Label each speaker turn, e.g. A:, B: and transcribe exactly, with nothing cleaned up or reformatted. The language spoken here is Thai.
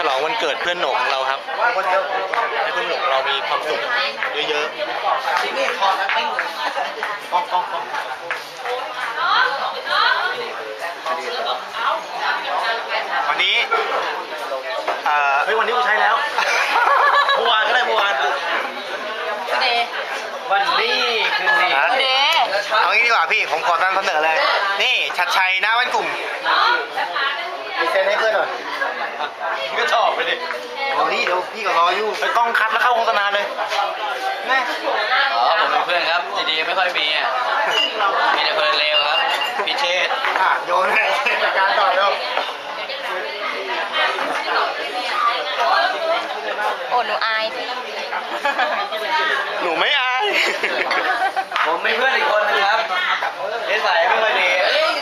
A: ลองวันเกิดเพื่อนหนุ่มของเราครับให้เพื่อนหนุ่มเรามีความสุขเยอะๆนี่คอไม่กล้องกล้องกล้องวันนี้เอ่อเฮ้ยวันนี้กูใช้แล้วเมื่อวานก็ได้เมื่อวาน
B: เด
A: วันนี้คืนนี้
B: เด
A: เอางี้ดีกว่าพี่ผมขอนำเสนอเลยนี่ชัดชัยหน้าบ้านกลุ่มมีเซ็นให้เพื่อนหน่อยพี่ก็ชอบไปดิโอ้นี่เดี๋ยวพี่ก็รออยู่ไปกล้องคัดแล้วเข้าโฆษณาเลยแม่
C: อ๋อผมเป็นเพื่อนครับดีๆไม่ค่อยมีอ่ะมีแต่เพื่อนเลวครับพิเชษ
A: อ่ะโยนให้จัดการต่อเร็ว
B: โอ้หนูอาย
A: หนูไม่อาย
C: ผมมีเพื่อนอีกคนนึงครับนิสัยไม่ค่อยดี